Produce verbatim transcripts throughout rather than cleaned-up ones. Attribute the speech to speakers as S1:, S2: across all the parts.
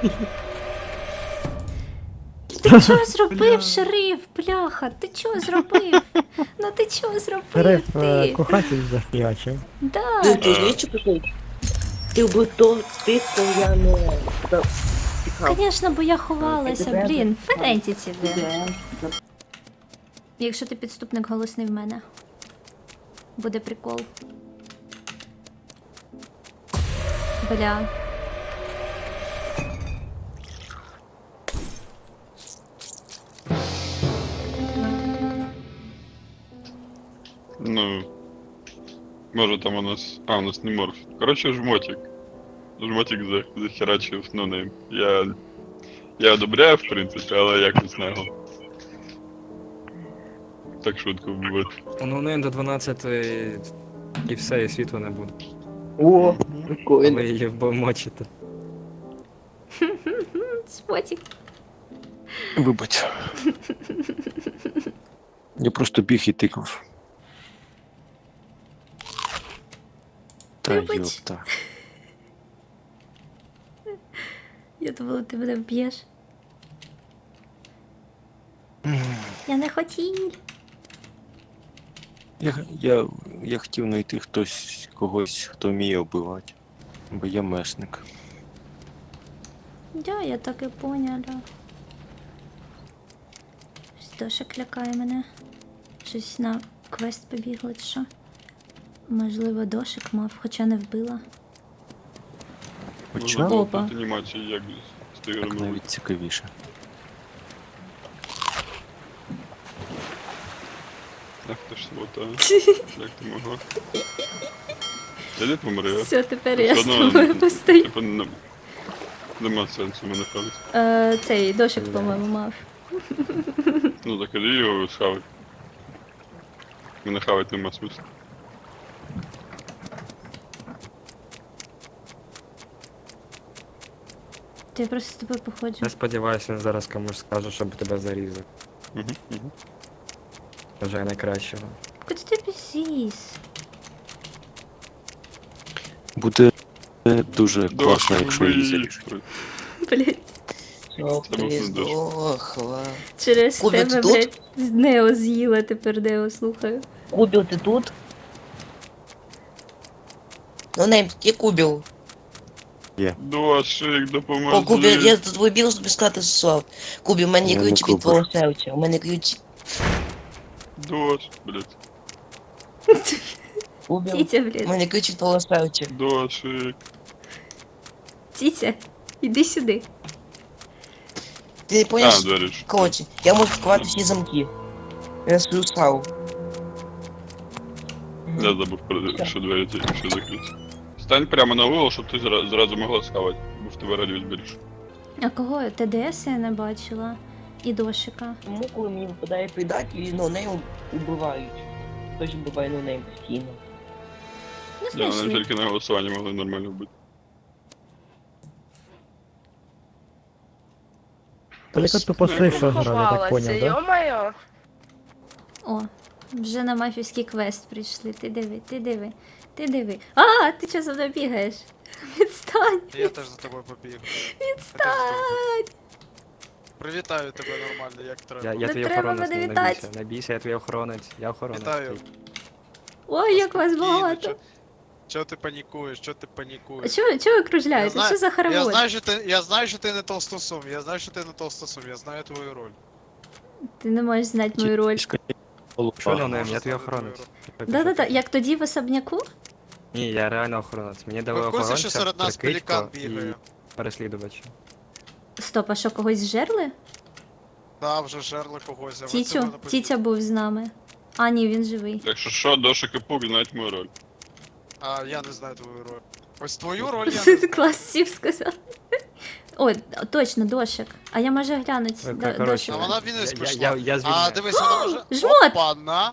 S1: Ти чого зробив, шериф, бляха? Ти чого зробив? Ну ти чого зробив,
S2: Шериф е,
S1: ти?
S2: кохатель захлячив.
S1: Да.
S3: Ти ти знаєш, що прикол? Ти би то тих, хто я не за- тікав.
S1: Звісно, бо я ховалася,
S3: Тебе-
S1: блін, ферентіці, блін.
S3: Тебе-
S1: Якщо ти підступник голосний в мене. Буде прикол. Бля.
S4: Ну, може там у нас... А, у нас не морф. Короче, жмотик. Жмотик за... захерачив, ну не. Я... Я одобряю, в принципі, але якось не його. Так швидко вбивати.
S5: Ну, не до дванадцяти і все, і світла не буде.
S3: О,
S5: А
S3: прикольно.
S5: ви її вбомочите.
S1: Спотік.
S6: Вибач. Я просто біг і тикав. Та
S1: Вибач.
S6: йопта.
S1: Я думала, ти мене вб'єш. Я не хотів.
S6: Я, я, я хотів знайти хтось, когось, хто вміє вбивати. Бо я месник.
S1: Да, я так і поняла. Щось Дошик лякає мене. Щось на квест побігло, чи що? Можливо, дошик мав, хоча не вбила.
S6: Хоча
S4: Можна
S1: Опа.
S4: тут анімації як з
S6: так
S4: тиграми.
S6: навіть цікавіше.
S4: Ах ти ж свота. Як ти могла? Я не помре.
S1: Все, тепер я
S4: Все
S1: з
S4: одно,
S1: тобою постою.
S4: Типа, не- нема сенсу мене хавати.
S1: Е, Цей дошик, по-моєму, мав.
S4: Ну так іди його схавати. Мене хавати нема смисла.
S1: То я просто з тобою походжу.
S5: Я сподіваюся, він зараз комусь скаже, щоб тебе зарізав.
S4: Угу, угу.
S5: Вже найкращого.
S1: Куди ти біжиш?
S6: Буде е, дуже класно, якщо її заріжуть.
S1: Блять.
S3: Щоб
S4: Це був
S3: ти
S4: дощ.
S3: здохла.
S1: Через
S3: Кубі, ти
S1: тебе,
S3: тут?
S1: блять, з Нео з'їла, тепер Нео слухаю.
S3: Кубів, ти тут? Ну, нейм, є Кубів.
S4: Дошик, допоможи.
S3: О, Кубів, я за твою білу тобі сказати слав. Кубів, у мене є
S6: Я не
S3: ключ від
S6: Кубів.
S3: твого серця. У мене ключ.
S4: Дош, блядь.
S3: Кубів,
S1: Тітя,
S3: у
S1: блядь,
S3: мене ключ від твого серця.
S4: Дошик.
S1: тітя, іди сюди.
S3: Ти не поняв?
S4: А, двері ж.
S3: Коротше, я можу відкривати всі замки. Я свою славу.
S4: Я забув, про- що двері ці ще закриті. Стань прямо на угол, щоб ти зра- зразу могла схавати, бо в тебе радіус більше.
S1: А кого? ТДС я не бачила. І дошика.
S3: Тому, коли мені випадає предатель, ну, нею убивають. Хтось вбиває ну, нею постійно.
S1: Не
S4: Я вони
S1: знайшли.
S4: тільки на голосуванні могли нормально вбити.
S2: Тільки тупо сейф грав, я так
S7: Ховалася,
S2: поняв, да?
S7: йо-моє.
S1: О, вже на мафівський квест прийшли. Ти диви, ти диви, ти диви. А, ти чого за мною бігаєш? Відстань!
S8: Я теж за тобою побіг.
S1: Відстань!
S8: Привітаю тебе нормально, як треба.
S5: Я, я
S1: Не
S5: твій
S1: треба
S5: охоронець,
S1: мене
S5: не
S1: вітати.
S5: бійся. Не бійся, я твій охоронець. Я охоронець.
S8: Вітаю.
S5: твій.
S1: Ой, як вас
S8: Спокійно,
S1: багато.
S8: чо- Чого ти панікуєш? Чого ти панікуєш?
S1: Чого, чого ви кружляєте?
S8: Я знаю-
S1: Що за
S8: Я
S1: хоровод?
S8: знаю, що ти, я знаю, що ти не толстосум, я знаю, що ти не толстосум, я знаю твою роль.
S1: Ти не можеш знати мою роль.
S5: Що
S8: Я
S5: не
S8: можу
S5: я твій
S8: знати
S5: охоронець.
S8: твою
S1: Да-да-да, як тоді в особняку?
S5: Ні, я реально охоронець. Мені дали
S8: Ви в курсі,
S5: охоронця,
S8: що серед нас
S5: прикидько
S8: пелікан
S5: і
S8: бігає?
S5: переслідувача.
S1: Стоп, а що, когось зжерли?
S8: Да, вже жерли когось, а ви
S1: Тітю,
S8: цього не поділи.
S1: Тітя був з нами. А, ні, він живий.
S4: Якщо що, Дошик і Пук знають мою роль.
S8: А, я не знаю твою роль. Ось твою роль я не знаю.
S1: Клас сів сказав. О, точно, дошик. А я можу глянути
S5: Е,
S1: до-
S5: коротше,
S8: А
S1: дошика.
S8: вона в
S5: Я,
S8: Вінниць
S5: я,
S8: прийшла.
S5: я, я
S8: А,
S5: звільняю.
S8: дивись, вона може...
S1: Жмот!
S8: Опа-на!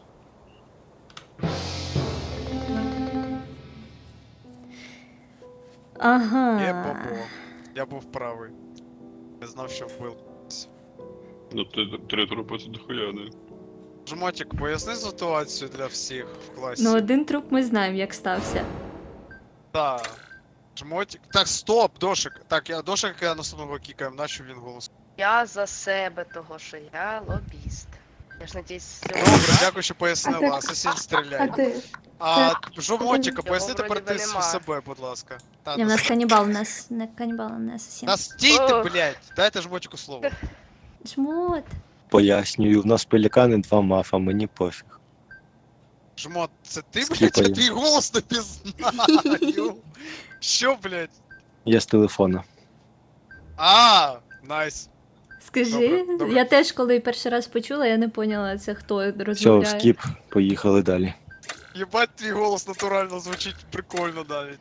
S8: Є
S1: Ага.
S8: бабо. Я був правий. Не знав, що вбив.
S4: Ну ти три трупи це дохуя, не?
S8: Жмотик, поясни ситуацію для всіх в класі.
S1: Ну, один труп ми знаємо, як стався.
S8: Так. Жмотик. Так, стоп, Дошик. Так, я Дошика наступного кікаємо, нащо він голос.
S7: Я за себе, того що я лобіст. Я ж надіюсь,
S8: Добре, дякую, що пояснила. Асасін
S9: А
S8: стріляє.
S9: ти?
S8: А жмотика,
S7: Його
S8: поясни
S7: вроді
S8: тепер
S7: би
S8: ти
S7: нема.
S8: себе, будь ласка. Та,
S1: Ні, в
S8: ну,
S1: нас канібал, у нас не канібал, а не асасін.
S8: Та стійте,
S7: Ох.
S8: блядь! Дайте жмотику слово.
S1: Жмот.
S6: Пояснюю, в нас пелікани, два мафа, мені пофіг.
S8: Жмот, це ти, блядь,
S6: Скіпаю.
S8: я твій голос не пізнаю. Що, блядь?
S6: Я з телефона.
S8: А, найс.
S1: Скажи,
S8: Добре, добре.
S1: я теж коли перший раз почула, я не поняла, це хто
S6: Все,
S1: розмовляє.
S6: скіп, поїхали далі.
S8: Єбать, твій голос натурально звучить прикольно навіть.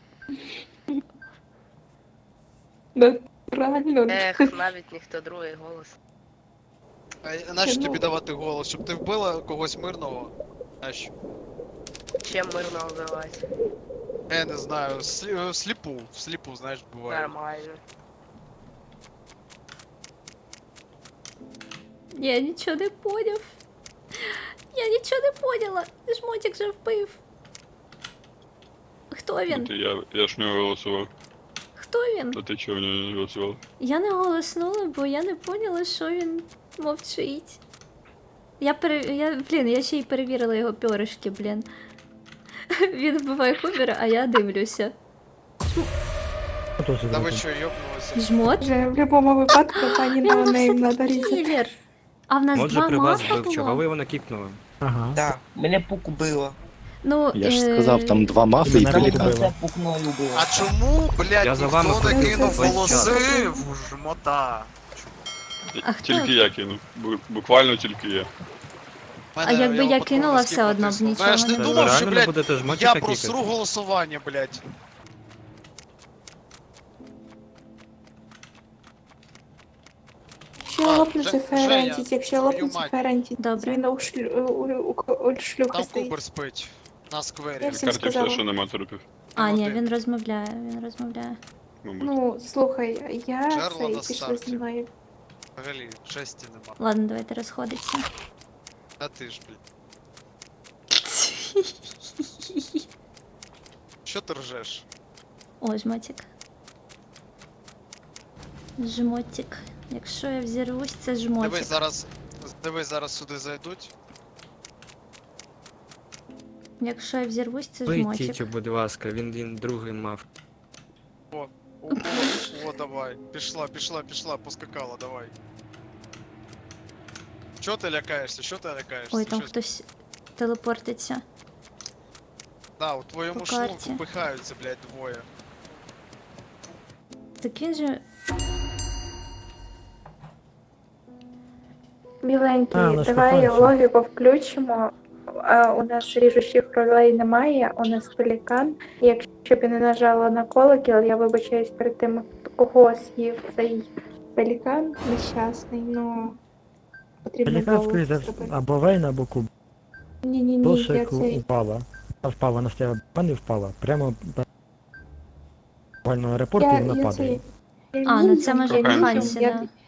S9: Натурально.
S7: ех, навіть ніхто другий голос.
S8: А нащо
S9: Ну.
S8: тобі давати голос? Щоб ти вбила когось мирного? Нащо?
S7: Чим мирно вбивати?
S8: Я не знаю, слі- сліпу, сліпу, знаєш, буває.
S7: Нормально.
S1: Я нічого не поняв. Я нічого не поняла. Жмотик же вбив. Хто він?
S4: Ти, я, я ж в нього голосував.
S1: Хто він?
S4: А ти чого в нього не голосував?
S1: Я не голоснула, бо я не поняла, що він мовчить. Я пере... я, блін, я ще й перевірила його пьоришки, блін. Він вбиває Кубера, а я дивлюся.
S2: Хто це
S8: Та ви
S2: зробив?
S8: що, йобнулися?
S1: Жмот?
S9: Вже в будь-якому випадку пані
S1: Він
S9: ноунейм
S1: все-таки
S9: надо різати.
S1: кілер. А в нас
S5: Може
S1: два
S5: при вас
S1: мафа
S5: був, чого ви
S1: було?
S5: його накіпнули?
S2: Ага.
S3: Так, мене пук убило.
S1: Ну,
S6: Я ж
S1: е,
S6: сказав, там два мафи і
S2: Мене
S6: пелікан.
S2: вбило.
S3: Це пукною було.
S8: А чому, блядь,
S5: Я за вами
S8: ніхто не
S9: ходив
S8: кинув
S9: весь
S8: голоси
S9: час.
S8: в жмота?
S1: А хто?
S4: Тільки я кинув. Бу- Буквально тільки я.
S8: Мене
S1: А якби
S8: його
S1: я
S8: патрон
S1: кинула,
S8: на
S1: все
S8: скіп
S1: одно б
S8: натиснув.
S1: нічого
S8: Знаєш,
S1: не
S8: не
S1: було.
S8: думав, що,
S5: Реально не
S8: блядь,
S5: будете
S8: я
S5: жмотика
S8: просру
S5: кікати?
S8: голосування, блядь.
S9: Якщо
S8: А,
S9: лопнеться
S8: Же-
S9: ферентіт,
S8: Женя,
S9: якщо
S8: твою
S9: лопнеться
S8: мать.
S9: ферентіт,
S1: Добре.
S9: він у шлю- у- у- у шлюхи
S8: Там
S9: стоїть.
S8: Кубер спить. На сквері.
S9: Я всім
S4: Карті все,
S9: сказала.
S4: що нема трупів.
S1: А, ні,
S8: Один.
S1: він розмовляє, він розмовляє.
S4: Мабуть.
S9: Ну, слухай, я
S8: Джерело
S9: цей
S8: на
S9: пішли
S8: старті.
S9: зі мною.
S8: Взагалі, жесті нема.
S1: Ладно, давайте розходитися.
S8: А ти ж, блядь. Що ти ржеш?
S1: О, жмотик. Жмотик. Якщо я взірвусь, це жмотик.
S8: Дивись, зараз. Дивись, зараз сюди зайдуть.
S1: Якщо я взірвусь, це
S5: Вийдіть,
S1: жмотик.
S5: будь ласка, він, він другий мав.
S8: О, о, о, давай. Пішла, пішла, пішла, поскакала, давай. Чого ти лякаєшся? Що ти лякаєшся?
S1: Ой, там
S8: Що-
S1: хтось телепортиться.
S8: Да, у твоєму
S1: по
S8: шлунку
S1: карті.
S8: пихаються, блядь, двоє.
S1: Так він же.
S9: Біленький,
S2: А, у нас
S9: давай
S2: кохається.
S9: логіку включимо. А, у нас ріжучих ролей немає, у нас пелікан. І якщо б я не нажала на колокіл, я вибачаюсь перед тим, кого з'їв цей пелікан нещасний, ну потрібно
S2: Пелікан,
S9: було
S2: скоріш за все,
S9: зробити.
S2: або Вейн, або Куб.
S9: Ні-ні-ні, я
S2: Дошик
S9: цей...
S2: упала. Вона впала на стіл, не впала. Прямо на буквально аеропорт і
S9: Я,
S2: вона
S9: я
S2: падає.
S9: цей... я
S1: А, ну
S9: мінімум,
S1: це може
S9: я
S4: Коханці.
S9: мінімум,
S1: Хансі,
S9: я-
S1: да.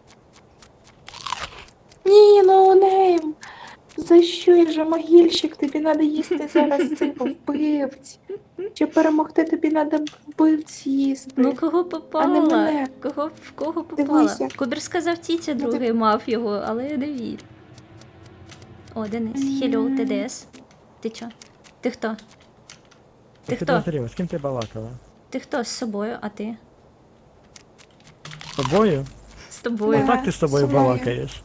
S9: Ні, ноунейм! За що я же могильщик? Тобі треба їсти зараз цих вбивць. Чи перемогти тобі треба вбивць їсти.
S1: Ну кого
S9: а не
S1: попала?
S9: мене.
S1: Кого, в кого попала?
S9: Дивися.
S1: Кубер сказав Тітя,
S9: Ну,
S1: другий мав його, але я не вірю. О, Денис. Хеллоу, ТДС. Ти чо? Ти хто? Ти
S2: Ти
S1: хто?
S2: підозріла, з ким ти балакала?
S1: Ти хто з собою, а ти?
S2: З тобою?
S1: З тобою.
S9: Да.
S2: Ну так ти з собою
S9: з мною.
S2: балакаєш.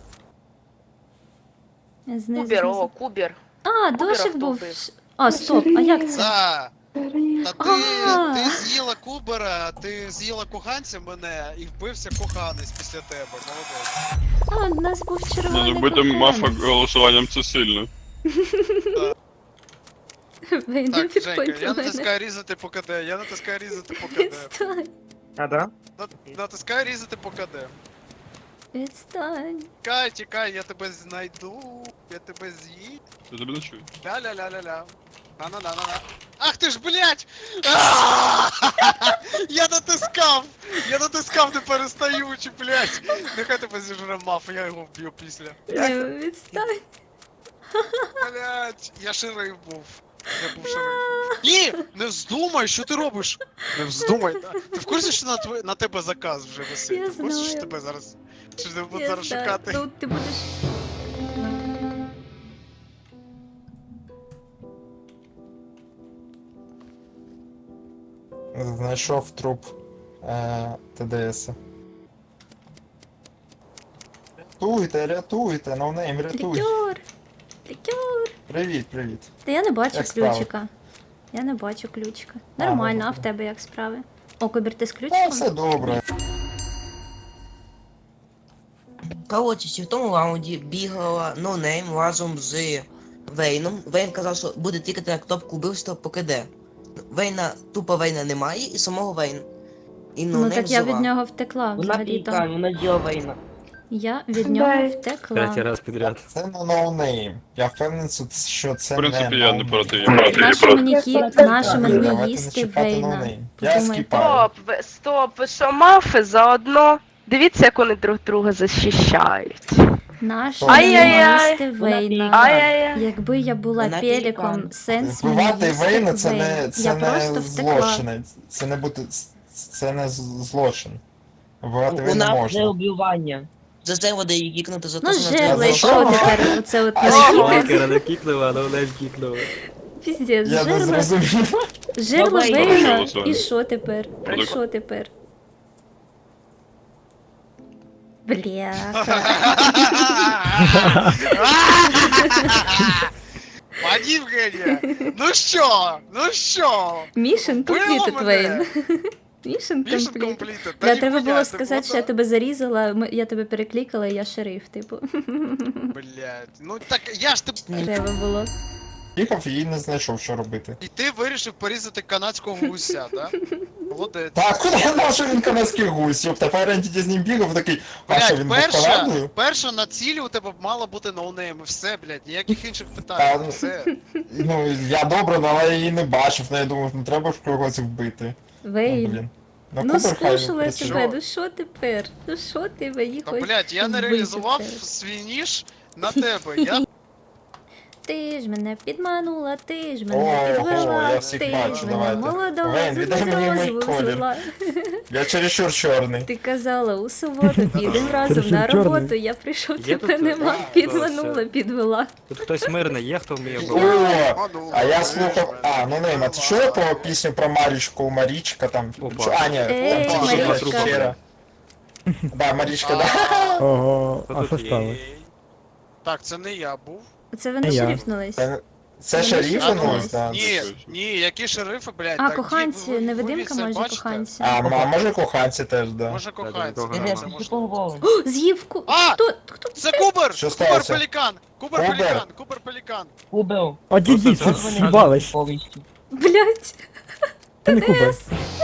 S1: Знизу,
S7: Кубер,
S1: знизу.
S7: о, Кубер.
S1: А,
S7: Кубера
S1: дошик
S7: хто
S1: був.
S7: вбив?
S1: А, стоп, а як це?
S8: Да,
S9: Бери.
S8: та ти,
S1: А.
S8: ти з'їла Кубера, ти з'їла коханця мене і вбився коханець після тебе, молодець.
S1: А, у нас був
S4: Ні,
S1: червоний
S4: ну бити мафа
S1: коханець.
S4: голосуванням це сильно.
S1: Вийди
S8: Так,
S1: під
S8: Женька, я
S1: мене.
S8: натискаю різати по КД, я натискаю різати по КД.
S1: Відстань,
S5: А, да?
S8: На- Натискаю різати по КД.
S1: відстань.
S8: Тікай, тікай, я тебе знайду, я тебе з'їм.
S4: Я тебе не чую.
S8: Ля-ля-ля-ля-ля. На-на-на-на-на. Ах ти ж, блядь! А! Я натискав! Я натискав не перестаючи, блядь! Нехай тебе зіжре маф, я його вб'ю після.
S1: Ні, відстань.
S8: Блядь, я шериф був. Я був шерифом. Ні! Не вздумай, що ти робиш? Не вздумай. да. Ти в курсі, що на, тво... на тебе заказ вже висить?
S1: Я
S8: Ти в курсі, що
S1: знаю.
S8: тебе зараз. Що тебе будуть
S1: Я
S8: зараз
S1: знаю.
S8: шукати?
S1: Ну, ти будеш.
S10: Знайшов труп е, ТДС. Рятуйте, рятуйте, ноунейм, рятуй.
S1: Лікер! Лікер!
S10: Привіт, привіт.
S1: Та я не бачу
S10: Як справи?
S1: ключика. Я не бачу ключика.
S10: А,
S1: Нормально,
S10: ну,
S1: а в тебе як справи? О, Кобір, ти з
S10: Та
S1: ключиком?
S10: все добре.
S3: Коротше, ще в тому раунді бігала ноунейм разом з Вейном. Вейн казав, що буде тикати на кнопку вбивства поки де. Вейна, тупо Вейна немає і самого Вейн. І
S1: Ну
S3: ноунейм
S1: так я
S3: жива.
S1: від нього втекла
S3: Вона
S1: взагалі-то.
S3: пікає, вона з'їла Вейна.
S1: Я від нього
S9: Дай.
S5: Третій
S1: втекла.
S5: раз підряд.
S10: Це не ноунейм. Я впевнений, що це
S4: В принципі,
S10: не
S4: я не
S10: ноунейм.
S4: проти. Я проти.
S1: Нащо мені, кі...
S9: Давайте
S1: Нащо
S10: не
S1: мені
S10: чіпати
S1: їсти Вейна?
S10: ноунейм. Я
S1: Подумайте.
S10: скіпаю.
S7: Стоп, ви, стоп, ви що, мафи заодно? Дивіться, як вони друг друга захищають.
S1: Нащо
S7: Ай-яй-яй.
S1: мені їсти
S3: Вона
S1: Вейна?
S3: пікає.
S7: Ай-яй-яй.
S1: Якби я була
S3: Вона
S1: пеліком,
S3: пелікан.
S1: сенс мені
S10: Вбивати
S1: їсти
S10: Вейна це
S1: Вейна.
S10: не,
S1: Я
S10: це
S1: просто
S10: не
S1: втекла.
S10: злочин. Це не бути. Це не з- злочин. Вбивати
S3: У
S10: Вейна
S3: нас не
S10: можна.
S3: убивання. За це буде її кікнути за те,
S1: Ну,
S3: що вона
S1: жерла, і
S3: зробила.
S1: що тепер? Оце от
S10: А
S1: не
S10: що?
S1: кіпець.
S5: Лакера не кікнула, а ноунейм кікнула.
S1: Піздець,
S10: Я не
S1: жерла,
S10: зрозумів.
S1: жерла
S3: Давай.
S1: Вейна.
S4: Голосуємо.
S1: І що тепер? І
S4: Протокол.
S1: що тепер? Бля.
S8: Пані Євгенія! Ну що? Ну що?
S1: Мішен
S8: Вбила
S1: completed,
S8: мене?
S1: Вейн. Мішен
S8: Мішен
S1: completed.
S8: комплітед.
S1: Бля, треба було сказати, що я тебе зарізала, ми- я тебе переклікала, і я шериф, типу.
S8: Блять, ну так я ж тебе...
S1: Треба було.
S10: Їхав і не знайшов, що робити.
S8: І ти вирішив порізати канадського гуся, да? Молодець.
S10: Так, куди я знав, що він канадський гусь? Йоп, тепер Ентіті з ним бігав, такий, а що,
S8: Блять,
S10: він був
S8: перша,
S10: Канадою?
S8: перша на цілі у тебе мала бути ноунейм, і все, блять, ніяких інших
S10: Та,
S8: питань,
S10: ну,
S8: все.
S10: Ну, я добре, ну, але я її не бачив, ну, я думав, ну треба ж когось вбити. Ну,
S1: Вейн.
S10: блін.
S1: Ну
S10: Кубер хай
S1: скушала я
S10: працює.
S1: тебе, ну що тепер? Ну що ти мені
S8: Та,
S1: хочеш?
S8: блять, я не
S1: вбити
S8: реалізував
S1: це?
S8: свій ніж на тебе, я...
S1: Ти ж мене підманула, ти ж мене
S10: О,
S1: підвела,
S10: о, я всіх
S1: ти
S10: бачу,
S1: ж мене
S10: давайте.
S1: молодого
S10: Вейн,
S1: з
S10: віддай мені мій
S1: розуму
S10: колір.
S1: звела.
S10: Я чересчур чорний.
S1: Ти казала у суботу, підемо разом
S2: Ти
S1: на
S2: що, чорний?
S1: роботу, я прийшов,
S5: Є
S1: тебе
S5: тут,
S1: нема,
S5: а,
S1: підманула,
S5: все.
S1: підвела.
S5: Тут хтось мирний є, хто вміє
S10: О,
S5: вбивати?
S10: а я слухав, а, ну не, а ти чула про пісню про Марічку, Марічка там?
S5: Опа.
S10: Чу- А, ні,
S1: Ей,
S10: там Щера,
S1: Марічка.
S10: Щера. Да, Марічка, да.
S2: Ого,
S5: Хто
S2: а
S5: тут
S2: що
S5: є?
S2: сталося?
S8: Так, це не я був.
S1: Це вони
S2: Я.
S1: шерифнулись.
S10: Це- Це
S1: Вони
S10: шериф
S1: ж
S10: у нас,
S1: так.
S10: да.
S8: Ні, ні, які шерифи, блядь.
S1: А,
S8: так,
S1: коханці,
S8: ви- ви- ви
S1: невидимка
S8: це
S1: може
S8: бачите?
S1: коханці.
S10: А, м- а може коханці теж, да.
S8: Може коханці,
S5: такого
S8: так,
S5: нема.
S8: це
S3: Ти
S8: може.
S3: поговорив.
S1: О, з'їв ку...
S8: А!
S1: Хто? Хто?
S8: Це Кубер!
S10: Що
S8: Кубер
S10: сталося?
S8: Пелікан! Кубер
S10: Кубер?
S8: Пелікан! Кубер Пелікан!
S3: Убив.
S2: Одійдіть,
S5: Просто
S2: це
S5: так.
S2: з'їбалось.
S3: Повністю.
S1: Блять.
S2: Це не Кубер.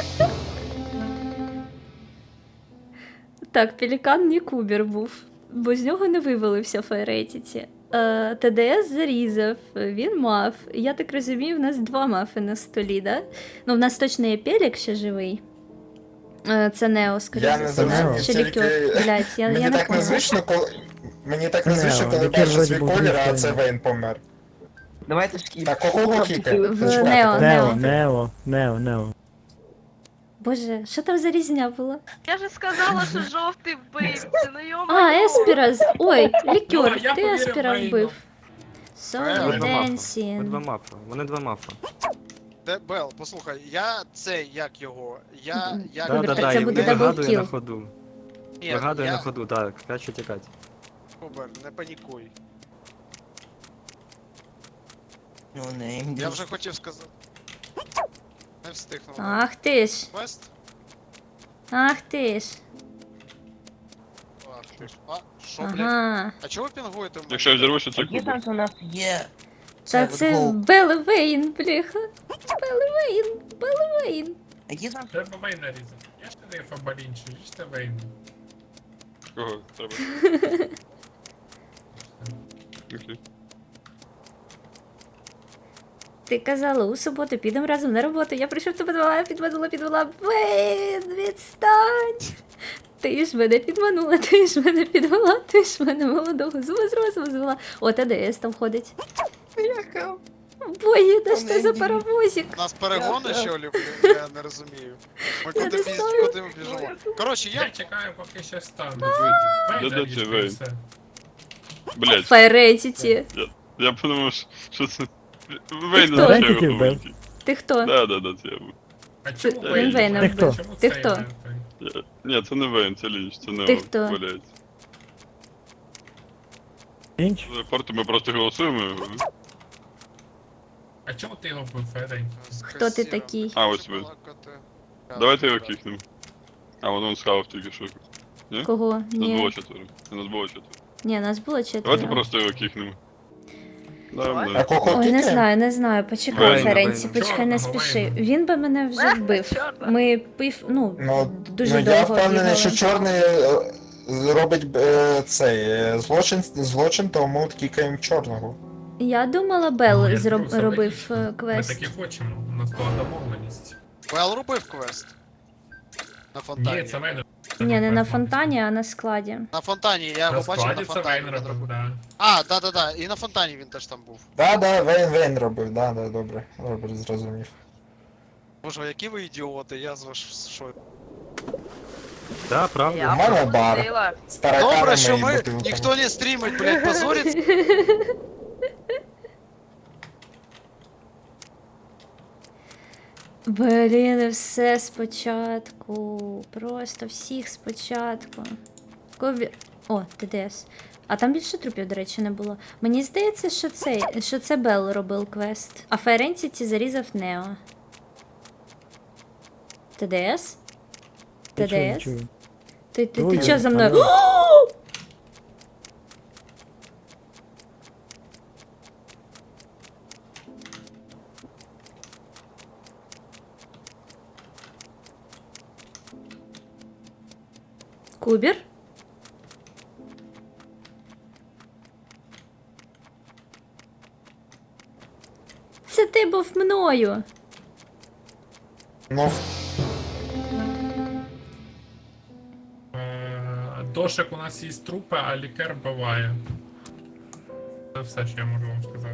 S1: Так, Пелікан не Кубер був, бо з нього не вивалився Файретіті. Е, ТДС зарізав, він мав. Я так розумію, в нас два мафи на столі, да? Ну, в нас точно є Пелік ще живий. Е, це Нео, скоріше.
S10: Я не
S1: за все.
S10: зрозумів,
S1: Чи
S10: тільки-
S1: Лікер. Блять, я, я
S10: Мені
S1: не
S10: так
S1: поняла.
S10: незвично, коли... Мені так
S2: Не,
S10: незвично, коли
S2: Лікер
S10: бачу
S2: вроді
S10: свій
S2: був
S10: колір, а
S2: звичайний.
S10: це Вейн помер.
S3: Давайте скіп.
S10: Так, кого покікати?
S1: В
S10: Чекайте,
S1: Нео,
S10: кого
S1: Нео.
S2: Нео, Нео, Нео, Нео.
S1: Боже, що там за різня була?
S7: Я же сказала, що жовтий вбивця, ну йома.
S1: А, Еспіра. з- Ой,
S11: Ну,
S1: Лікер,
S11: я
S1: ти
S11: повірив
S1: Еспіра
S11: Вейну.
S1: вбив.
S5: Вони
S1: Солі
S5: два мафа. Вони два
S1: Денсін.
S5: мафа. Вони два мафа.
S8: Де Бел, послухай, я цей, як його, я, як...
S1: Добре,
S5: Да, да,
S1: так
S5: да,
S1: це
S5: і
S1: буде
S5: вигадує
S1: даблкіл.
S5: на ходу.
S8: Ні,
S5: Вигадує
S8: я...
S5: на ходу, так, краще тікати.
S8: Кубер, не панікуй.
S3: Ноунейм.
S8: Я вже хотів сказати. Не встигнув.
S1: Ах ти ж,
S8: Квест?
S1: ах ти ж.
S8: Ах ти ж. А, що, блядь?
S1: Ага.
S8: А чого ви пінгуєте в мене?
S4: Якщо я взірвуся, це
S3: Є
S4: Кубер.
S3: там, що у нас є...
S1: Та
S3: от
S1: це
S3: гол.
S1: Белвейн, бляха. Белвейн, Белвейн.
S3: Які там...
S11: Треба Вейна різати. Я ж не фабалінчу, ж це Вейн.
S4: Кого треба? Окей.
S1: Ти казала, у суботу підемо разом на роботу. Я прийшов тебе підвела, підвела, підвела. Вейн, відстань. Ти ж мене підманула, ти ж мене підвела, ти ж мене молодого з розуму звела. О, ТДС там ходить. Боги, да що за паровозик?
S8: У нас перегони, що ли, блін, я не розумію. Ми
S1: Я
S8: куди
S1: не
S8: піз-
S1: знаю.
S8: куди ми біжимо? Коротше,
S11: Я
S8: я...
S11: чекаю, поки ще стане.
S4: Да
S11: Вейн
S4: да
S11: ріже,
S4: це Вейн.
S11: і все.
S4: Блять,
S1: Файретіті.
S4: я подумав, що- що це. Вейн
S1: хто?
S4: на
S2: Вейн
S4: чого
S2: тільки вбив.
S4: говорить.
S1: Ти хто?
S4: Да, да, да, це я був.
S11: А
S1: Це-
S11: чому
S4: він
S11: Вейн?
S1: Вейна
S11: Чому
S2: вбив.
S11: чому
S1: Ти
S11: цей
S1: хто?
S11: Вейн?
S4: Я- Ні, це не Вейн, це Лінч, це не
S1: Ти хто?
S4: Блять.
S2: Інч?
S4: Форту ми просто голосуємо.
S11: А чому ти його вбив, Фейн?
S1: Хто ти такий?
S4: А, ось ви. Давайте його кікнемо. А, вон он схавав тільки що.
S1: Кого?
S4: Нас було
S1: Ні.
S4: четверо. Нас було четверо.
S1: Ні, нас було
S4: Давайте
S1: четверо.
S4: просто його кікнемо. Да,
S7: Давай.
S10: А
S4: да.
S10: кого
S1: Ой, не
S10: кікаємо?
S1: знаю, не знаю. Почекай,
S5: Вейна,
S1: Ференці,
S5: Вейна.
S1: почекай, не
S11: Чорного
S1: спіши.
S11: Вейна.
S1: Він би мене вже вбив.
S7: Чорного.
S1: Ми пив, ну,
S10: Ну,
S1: дуже
S10: ну я
S1: довго
S10: впевнений,
S1: бігали.
S10: що чорний е, робить е, цей е, злочин, злочин, тому кікаємо чорного.
S1: Я думала, Белл
S11: Ну, я
S1: зроб...
S11: скажу, все
S1: робив
S11: логічно.
S1: е, квест.
S11: Ми таки хочемо, у нас була домовленість.
S8: Вел робив квест. На фонтані.
S11: Ні, це Вейн.
S1: Ні, не на фонтані, а на складі.
S8: На фонтані, я його
S11: На
S8: бачив на
S11: складі це
S8: фонтані.
S11: Вейн
S8: він
S11: робив,
S8: робив.
S11: да.
S8: А, да-да-да, і на фонтані він теж там був.
S10: Да, да, Вейн, Вейн робив, да, да, добре, добре, зрозумів.
S8: Боже, які ви ідіоти, я з вас що.
S5: Да, правда.
S7: Я
S10: У мене бар.
S7: пропустила.
S10: З тараканами
S8: Добре, що
S10: і
S8: ми
S10: бутилками.
S8: ніхто не стрімить, блядь, позориться.
S1: Блін, все спочатку. Просто всіх спочатку. Кові... О, ТДС. А там більше трупів, до речі, не було. Мені здається, що це, що це Белл робив квест. А Файрентіті зарізав Нео. ТДС?
S2: Я чую,
S1: ТДС?
S2: чую.
S1: Ти, ти,
S2: Ой,
S1: ти чого за мною?
S2: алло.
S1: О! Кубер? Це ти був мною.
S10: Ну,
S11: Е, Дошик у нас є трупи, а лікар вбиває. Це все, що я можу вам сказати.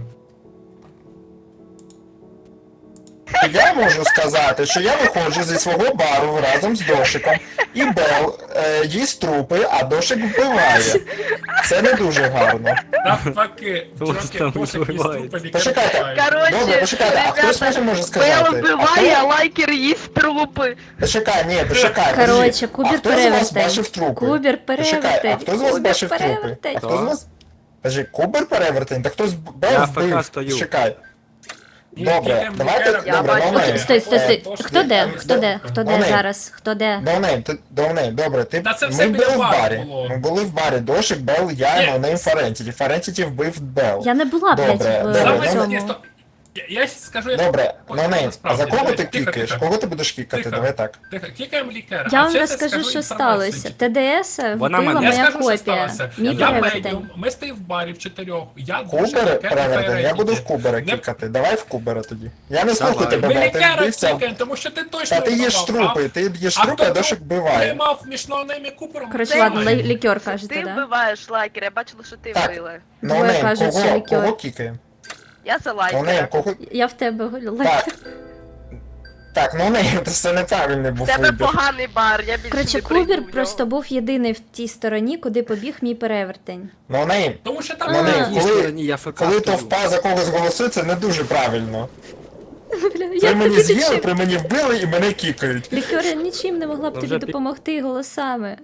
S10: я можу сказати, що я виходжу зі свого бару разом з Дошиком, і Бел е, їсть трупи, а Дошик вбиває. Це не дуже гарно.
S11: Навпаки,
S5: Просто
S11: чуваки, Дошик є
S5: вбивається.
S11: трупи, лікар
S10: Почекайте.
S11: вбиває.
S10: Добре,
S7: Короче,
S10: почекайте, а хтось може може
S7: Бел
S10: сказати?
S7: вбиває,
S10: А
S7: а
S10: хто-
S7: лайкер їсть трупи.
S10: Почекай, ні, почекай.
S1: Короче,
S10: подожди.
S1: Кубер
S10: А хто з вас
S1: перевертень.
S10: бачив трупи?
S1: Кубер
S10: Почекай, а
S1: перевертень.
S10: хто з вас
S1: Кубер
S10: бачив трупи?
S1: перевертень.
S10: А хто з вас? Кажи, Кубер перевертень? Та хтось Бел
S5: Я
S10: вбив.
S5: АФК стою.
S10: Почекай.
S11: Ні,
S10: Добре,
S11: кікаємо
S10: давайте,
S11: лікаря,
S7: Я
S10: добре,
S7: бачу.
S10: Ноунейм.
S1: Окей, стой, стой, стой.
S11: Дошик
S1: Хто де?
S11: є
S1: Хто де?
S11: трупи.
S1: Хто де
S10: Ноунейм.
S1: зараз? Хто де?
S10: Ноунейм, ти, Ноунейм, добре, ти,
S11: Та це все
S10: ми
S11: біля
S10: були в
S11: бару
S10: барі,
S11: було.
S10: ми були в барі, Дошик, Бел, я,
S11: Ні.
S10: Ноунейм, Фарентіті. Фарентіті вбив Бел.
S1: Я не була, блядь,
S10: Добре,
S1: в
S10: добре,
S11: Саме
S10: ну,
S11: таке,
S1: цьому.
S11: що- Я, я щас скажу, як
S10: Добре,
S11: Ой,
S10: Ноунейм, а
S11: насправді,
S10: за кого
S11: давай,
S10: ти
S11: тихо,
S10: кікаєш?
S11: тихо.
S10: Кого ти будеш кікати?
S11: Тихо.
S10: Давай так.
S11: Тихо, кікаємо лікаря.
S1: Я
S11: А
S1: вам
S11: ще
S1: розкажу,
S11: скажу
S1: що
S11: інформацію.
S1: сталося. ТДС
S5: Вона
S1: вбила
S5: мене-
S11: Я
S1: моя
S11: скажу, що
S1: копія.
S11: сталося.
S1: Мій
S11: Я
S1: перевертень.
S11: медіум, ми стоїмо в барі в чотирьох. Я Дошик,
S10: Кубер
S11: лікар і
S10: перевертень, я
S11: Файрентіті.
S10: буду в Кубера
S11: Не-
S10: кікати. Давай в Кубера тоді. Я не слухаю
S5: Давай.
S10: тебе,
S11: Ми
S10: Бел, ти
S11: лікаря
S10: вбився.
S11: кікаємо, тому що ти точно
S10: Та ти їш
S11: вбивав.
S10: трупи, ти їш
S11: А
S10: трупи, а
S11: хто
S10: Дошик вбиває.
S11: Приймав між Ноунейм і Купером.
S1: Коротше,
S7: Ти-
S1: ладно,
S11: Знаю.
S1: лі- лікер кажете,
S7: Ти
S1: да?
S7: вбиваєш лайкер, я бачила, що ти
S10: Так.
S7: вбила.
S1: Двоє
S10: Ноунейм,
S1: кажуть, що
S10: кого,
S1: лікер.
S10: кого кікаємо?
S7: Я за
S10: Ноунейм,
S7: лайкера.
S10: кого...
S1: Я в тебе голю.
S10: Так. Так, Ноунейм, це неправильний
S7: В
S10: був
S7: тебе
S10: вибір.
S7: поганий бар, я більше
S1: Коротше,
S7: не прийду в
S1: Кубер
S7: нього.
S1: просто був єдиний в тій стороні, куди побіг мій перевертень.
S10: Ноунейм,
S11: Тому що там
S10: Ну, не,
S11: не
S5: В тій
S10: коли-
S5: стороні я АФК
S10: коли
S5: стою.
S10: товпа за когось голосує, це не дуже правильно.
S1: Бля,
S10: При
S1: як
S10: мені
S1: тобі
S10: з'їли,
S1: нічим?
S10: при мені вбили і мене кікають.
S1: Лікер, я нічим не могла б
S5: Ну,
S1: тобі
S5: вже пі-
S1: допомогти голосами.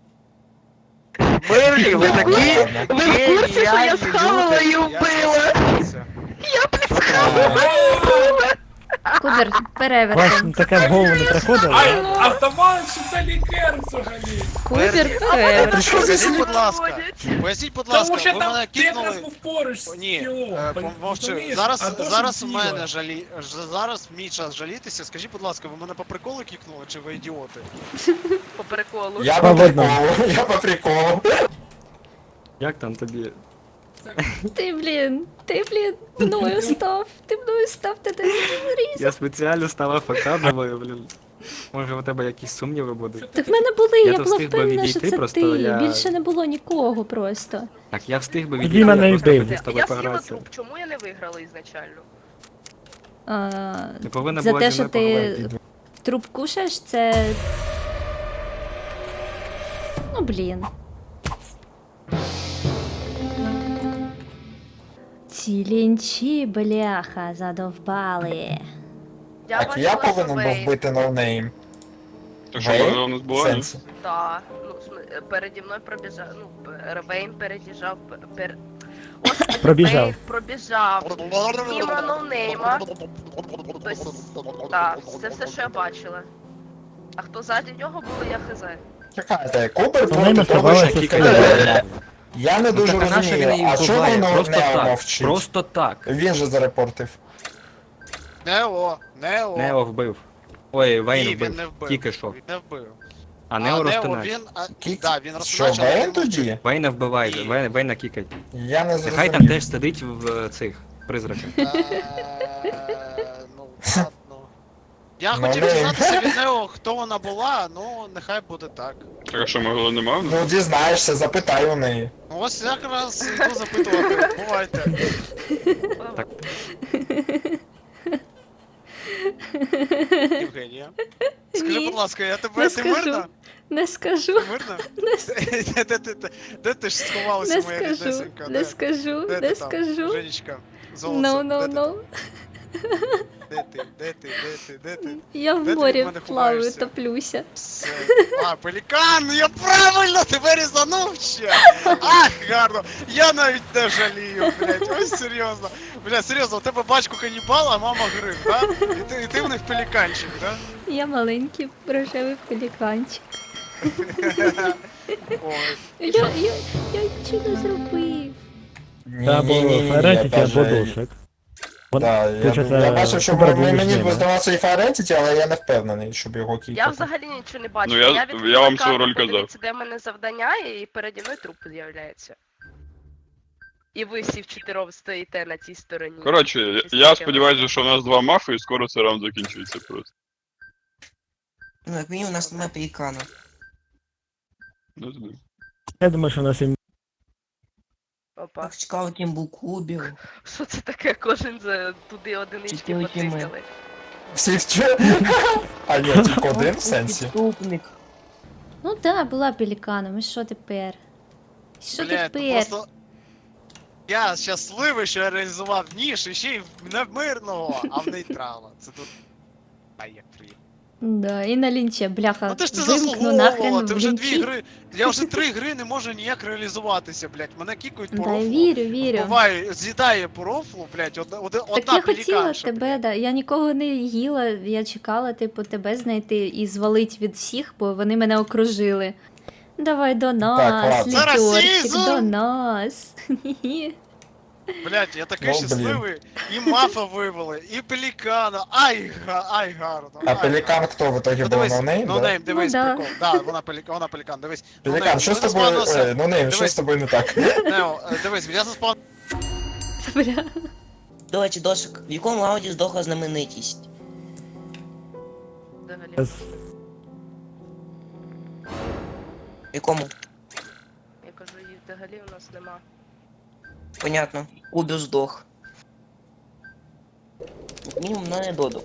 S7: Мерлі, ви
S10: Ладно,
S7: такі?
S10: ладно.
S7: Ви в курсі, що я схавала і вбила?
S1: Кубер,
S2: Вас
S1: перевертень.
S2: таке в голову не приходило?
S11: А,
S2: да?
S11: а здавалося, що це лікар взагалі.
S1: Кубер, перевертень.
S10: Що за
S8: Поясніть,
S10: слід?
S8: будь ласка. Поясніть, будь ласка,
S11: Тому що
S8: ви
S11: там
S8: мене
S11: ти якраз
S8: кікнули.
S11: був поруч з
S8: Ні,
S11: тілом.
S8: е,
S11: пон-
S8: помовчи.
S11: розумієш?
S8: Зараз,
S11: А Дошик
S8: зараз у
S11: з'їла.
S8: мене жалі... ж- зараз мій час жалітися. Скажіть, будь ласка, ви мене по приколу кікнули, чи ви ідіоти?
S7: По приколу.
S10: Я
S2: По
S10: по
S2: одному.
S10: приколу, я по приколу.
S5: Як там тобі?
S1: Ти, блін, ти, блін, мною став. Ти мною став, ти ти зріз.
S5: Я спеціально став АФК, думаю, блін. Може у тебе якісь сумніви будуть?
S1: Так в мене були,
S5: Я
S1: я
S5: то
S1: була
S5: встиг би
S1: впевнена, що
S5: відійти,
S1: це
S5: просто
S1: ти.
S5: я-
S1: Більше не було нікого просто.
S5: Так, я встиг би
S2: Тоді
S5: відійти,
S2: мене
S5: я
S2: і
S5: просто
S2: вбив.
S5: хотів з тобою
S7: Я з'їла
S5: погратися.
S7: труп, чому я не виграла ізначально?
S1: А,
S5: Не повинна
S1: за
S5: була
S1: те,
S5: зі
S1: що
S5: мною
S1: ти
S5: поговорити.
S1: труп кушаєш, це. Ну, блін. Ці лінчі, бляха, задовбали.
S7: Я
S10: Так я
S7: бачила, що
S10: повинен був
S7: Вейн.
S10: бити ноунейм.
S4: Так що
S10: Вейн?
S4: вона у нас
S10: В
S4: була? ні?
S10: сенсі.
S7: Да, ну, в смы- переді мною пробіжав, ну, пер- Вейн перебіжав, пер... Господи,
S2: Пробіжав.
S7: Вейн пробіжав. Мімо ноунейма. Тобто, да, це все, що я бачила. А хто ззаді нього був, я хз.
S10: Чекайте, Кубер
S2: Ноунейм
S10: проти того, що
S2: оставалася
S10: кікає.
S2: стояти.
S10: Я не дуже
S5: Ну, так, а на що він
S10: розумію,
S5: її
S10: а чого
S5: вбиває?
S10: воно
S5: Просто
S10: не
S5: так.
S10: мовчить?
S5: Просто так.
S10: Він же зарепортив.
S8: Нео, Нео.
S5: Нео вбив. Ой, Вейн
S8: Ні,
S5: вбив.
S8: він не вбив.
S5: Тільки що.
S8: Він не вбив.
S5: А Нео
S8: Нео,
S5: розтинач.
S8: він, а,
S10: Кік?
S8: да, він
S10: Що,
S8: розтинач, але
S10: Вейн
S8: він
S10: тоді?
S5: Вейна вбиває,
S8: Ні.
S5: Вейна, Вейна кікать.
S10: Я не
S5: Нехай там
S10: зрозумів.
S5: теж сидить в е, цих призраках.
S8: Е, Ну, ладно. Я
S10: Ну,
S8: хотів
S10: не.
S8: дізнатися від Нео, хто вона була, ну, нехай буде так.
S4: Так а що, могло нема?
S10: Ну дізнаєшся, запитай у неї.
S8: Ну, ось якраз йду запитувати. Бувайте. Євгенія. Скажи,
S1: Ні,
S8: будь ласка, я тебе,
S1: не
S8: ти
S1: скажу.
S8: мирна?
S1: Не скажу.
S8: Ти мирна?
S1: Не, с-
S8: Де, де, де, де, де ти ж сховалася,
S1: не
S8: моя
S1: скажу.
S8: ріднесенька?
S1: Не
S8: Де?
S1: скажу.
S8: Де
S1: Не
S8: ти там?
S1: скажу.
S8: Женечка, золоце,
S1: No, no,
S8: де ти
S1: no.
S8: там? Де ти, де ти, де ти, де ти?
S1: Я
S8: Де
S1: в
S8: ти від
S1: морі
S8: мене
S1: плаваю,
S8: ховаєшся?
S1: топлюся.
S8: Все. А, пелікан, я правильно тебе різанув ще! Ах, гарно! Я навіть не жалію, блядь, ось серйозно. Бля, серйозно, у тебе батько канібал, а мама гриб, да? І ти, і ти в них пеліканчик, да?
S1: Я маленький рожевий пеліканчик.
S8: Ой.
S1: Я, я, я нічого не зробив.
S10: Ні,
S2: Це або
S10: ні, ні, ні,
S2: Ферентіті,
S10: я
S2: або
S10: даже-
S2: дошик. Вон-
S10: Да, я,
S2: Получається,
S10: я бачив, що
S2: Кубер
S10: ми-
S2: був між
S10: мені
S2: ними.
S10: здавався і Ферентіті, але я не впевнений, щоб його кікати.
S7: Я взагалі нічого не бачила.
S4: Ну, я-
S7: я
S4: я
S7: відкрила
S4: вам свою
S7: карту,
S4: роль казав.
S7: подивитися, де в мене завдання, і переді мною труп з'являється. І ви всі вчотирьох стоїте на цій стороні.
S4: Коротше, я, я сподіваюся, що у нас два мафи і скоро цей раунд закінчується просто.
S3: Ну, як мінімум, у нас немає пелікана.
S4: Не знаю.
S2: Я думаю, що на сім...
S7: Опа.
S3: Так цікаво, ким був Кубів.
S7: Що це таке? Кожен за туди одинички
S3: Чотири тіми.
S7: потикали.
S10: Всі вчи. А ні, тільки один в сенсі.
S3: Підступник.
S1: Ну да, була пеліканом, і що тепер? Що
S8: Блядь, ну
S1: тепер?
S8: просто... Я щасливий, що я реалізував ніж, і ще й в- не в мирного, а в нейтрала. Це тут... А як приємно.
S1: Да, і на лінче, бляха.
S8: Ну ти ж це
S1: вимкну
S8: заслуговувала,
S1: нахрен
S8: ти
S1: в
S8: вже дві
S1: лінчі.
S8: гри. Я вже три гри не можу ніяк реалізуватися, блядь. Мене кікають по
S1: Да,
S8: рофлу.
S1: вірю, вірю.
S8: Буває, з'їдає по рофлу, блядь, одна, одна,
S1: Так
S8: одна
S1: я хотіла
S8: пеліканша,
S1: тебе,
S8: блядь.
S1: да. Я нікого не їла, я чекала, типу, тебе знайти і звалить від всіх, бо вони мене окружили. Давай до нас,
S10: ладно.
S8: Це
S1: літерчик,
S8: расизм!
S1: до нас. Хі-хі.
S8: Блядь, я такий
S10: Ну, блін.
S8: щасливий. І мафа вивели, і пелікана. Ай, га, ай, гарно.
S10: А
S8: ай,
S10: пелікан
S8: гарно.
S10: хто в итоге
S8: Ну
S10: був
S8: дивись,
S10: ноунейм?
S8: ну
S10: да?
S8: нейм, дивись,
S1: Ну, да.
S8: прикол. Да, вона пелікан, вона пелікан, дивись. Ну,
S10: Пелікан,
S8: нейм,
S10: що з
S8: ми
S10: тобою,
S8: заспавнилися-
S10: е, ну нейм, що
S8: Дивись.
S10: з тобою не так?
S8: Нео, е, дивись, я заспав...
S1: Бля.
S3: До речі, досик, в якому раунді здохла знаменитість?
S7: Взагалі.
S3: В якому?
S7: Я кажу, їх взагалі у нас нема.
S3: Понятно. Кубів здох. Як мінімум, на не додав.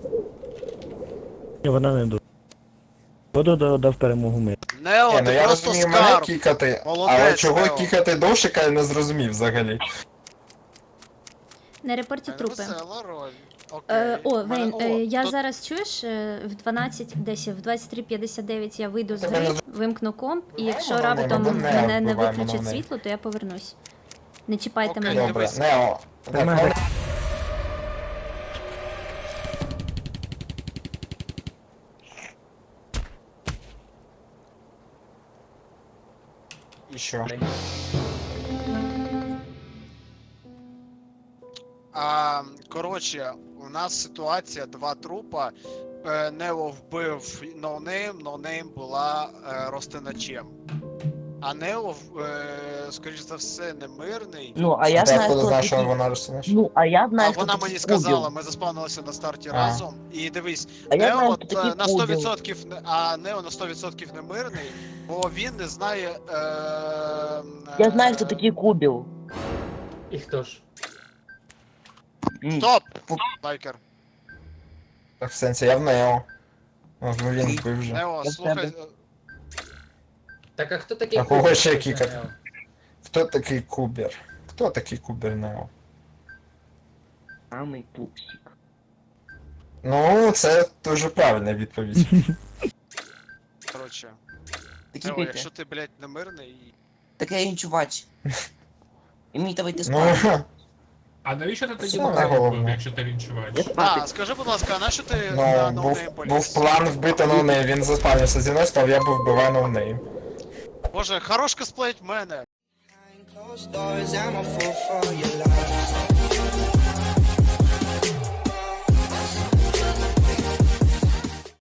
S2: Ні, вона не до. Додо дав- дав перемогу ми.
S8: Нео,
S10: Ні, ну
S8: ти
S10: я
S8: просто
S10: розумію мене
S8: скарб.
S10: кікати,
S8: Молодець,
S10: але чого
S8: Нео.
S10: кікати дошика, я не зрозумів взагалі.
S1: На репорті
S8: Мене
S1: трупи.
S8: весела роль. Окей.
S1: Е, о,
S8: Мене-
S1: Вейн,
S8: о,
S1: е, я
S8: то-
S1: зараз чуєш, е, в дванадцять, десь в двадцять три п'ятдесят дев'ять я вийду з
S10: Тебе
S1: гри,
S10: не
S1: вимкну комп, і
S10: Вбиваємо
S1: якщо
S10: новини,
S1: раптом
S10: або не
S1: мене не
S10: вбиваємо
S1: виключать
S10: новини.
S1: світло, то я повернусь. Не чіпайте
S8: Окей,
S1: мене.
S10: Добре,
S8: дивись.
S10: Нео. Так,
S2: мене-
S10: ну, І що?
S8: А, коротше, у нас ситуація, два трупа. Е, Нео вбив ноунейм, ноунейм була е, розтиначем. А Нео, е, скоріш за все, не мирний.
S3: Ну, а я
S10: Ти
S3: знаю,
S10: откуда
S3: хто
S10: знаєш, що
S3: такий.
S10: вона розсунеш?
S3: Ну, а я
S8: А
S3: знаю, хто
S8: вона
S3: такий
S8: мені
S3: Кубів.
S8: сказала, ми заспавнилися на старті
S3: А.
S8: разом. І дивись,
S3: А я
S8: Нео
S3: знаю,
S8: от,
S3: хто
S8: е,
S3: такий
S8: на сто
S3: Кубів.
S8: відсотків, не- а Нео на сто відсотків не мирний, бо він не знає. Е,
S3: Я знаю,
S8: е,
S3: хто такий Кубів.
S11: І хто ж?
S3: Ні.
S8: Стоп!
S3: Фу.
S8: Байкер.
S10: Так, в сенсі, я в Нео. О, він вбив вже.
S8: Нео, слухай. е,
S12: Так а хто такий
S10: А кого
S12: Кубер?
S10: ще кікати? Хто такий Кубер? Хто такий Кубер Нео?
S3: Самий пупсик.
S10: Ну, це дуже правильна відповідь.
S8: Коротше.
S3: Такі
S8: Нео,
S3: пити.
S8: якщо ти, блядь, не мирний і...
S3: Таке він чувач. І мені треба йти
S10: Ну,
S3: спати.
S11: А навіщо ти тоді
S10: Саме
S11: Ноунейм
S10: головне.
S11: був, якщо ти лінчувач?
S8: А, скажи, будь ласка, а на що ти на
S10: ну,
S8: ноунейм
S10: був,
S8: поліз?
S10: був план вбити ноунейм, він заспавнився зі мною, сказав, я був вбиваю ноунейм.
S8: Боже, хорош косплеїть мене.
S13: Closed doors, I'm a fool for your love.